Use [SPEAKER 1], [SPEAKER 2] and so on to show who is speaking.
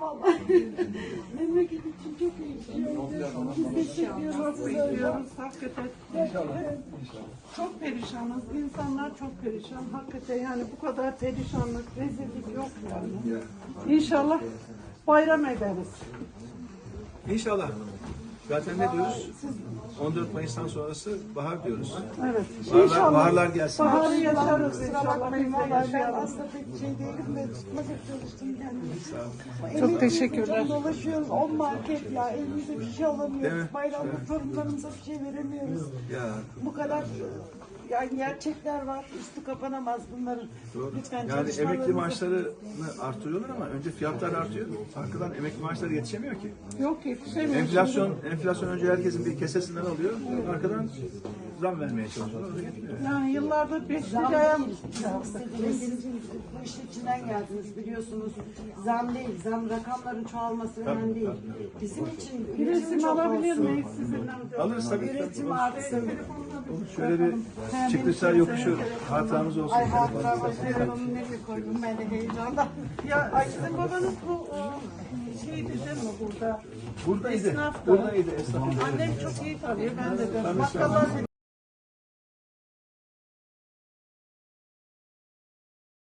[SPEAKER 1] vallahi. Memleket için çok iyi istiyoruz. Biz teşekkür ediyoruz.
[SPEAKER 2] Hakikaten. Çok perişanız. İnsanlar çok perişan. Hakikaten yani bu kadar perişanlık, rezillik yok yani. İnşallah bayram ederiz.
[SPEAKER 3] İnşallah. Zaten ne diyoruz? 14 Mayıs'tan sonrası bahar diyoruz.
[SPEAKER 2] Evet.
[SPEAKER 3] Baharlar gelsin.
[SPEAKER 2] Baharı yaşarız
[SPEAKER 1] Kusura
[SPEAKER 2] inşallah.
[SPEAKER 1] bakmayın
[SPEAKER 2] Biz de
[SPEAKER 1] vallahi ben
[SPEAKER 2] yaşayalım.
[SPEAKER 1] aslında pek şey değilim de tutmaca çalıştım kendimi.
[SPEAKER 2] Çok teşekkürler.
[SPEAKER 1] Çok dolaşıyoruz 10 market ya elimizde bir şey
[SPEAKER 3] Değil
[SPEAKER 1] alamıyoruz.
[SPEAKER 3] mi?
[SPEAKER 1] Bayramda torunlarımıza bir şey veremiyoruz.
[SPEAKER 3] Ya
[SPEAKER 1] Bu kadar yani gerçekler var. Üstü kapanamaz bunların.
[SPEAKER 3] doğru.
[SPEAKER 1] Lütfen
[SPEAKER 3] Yani
[SPEAKER 1] çalışmalarınızı-
[SPEAKER 3] emekli maaşlarını artırıyorlar ama önce fiyatlar artıyor. Arkadan emekli maaşları yetişemiyor ki.
[SPEAKER 2] Yok yetişemiyoruz.
[SPEAKER 3] Enflasyon önce herkesin bir kesesinden alıyor. Arkadan zam vermeye çalışıyorlar. O da yetmiyor.
[SPEAKER 2] Yani yıllardır 5
[SPEAKER 1] Zam
[SPEAKER 2] liraya
[SPEAKER 1] değil. İstediğiniz bu işin içinden geldiniz biliyorsunuz. Zam değil. Zam rakamların çoğalması önemli değil. Bizim için
[SPEAKER 2] bir
[SPEAKER 1] üretim
[SPEAKER 2] resim
[SPEAKER 1] çok
[SPEAKER 2] alabilir
[SPEAKER 1] olsun.
[SPEAKER 2] miyiz sizinle?
[SPEAKER 3] Alırız tabii.
[SPEAKER 1] Üretim artsın.
[SPEAKER 3] Şöyle bir çıktıysa yokuşu hatıramız olsun.
[SPEAKER 1] Ay hatıra başlarım onu nereye koydum ben de heyecandan.
[SPEAKER 2] Ya sizin babanız bu şeydi değil mi burada?
[SPEAKER 3] Buradaydı.
[SPEAKER 2] Esnaf da.
[SPEAKER 3] Buradaydı esnaf.
[SPEAKER 2] Annem çok iyi tanıyor, ben de. Bakkallar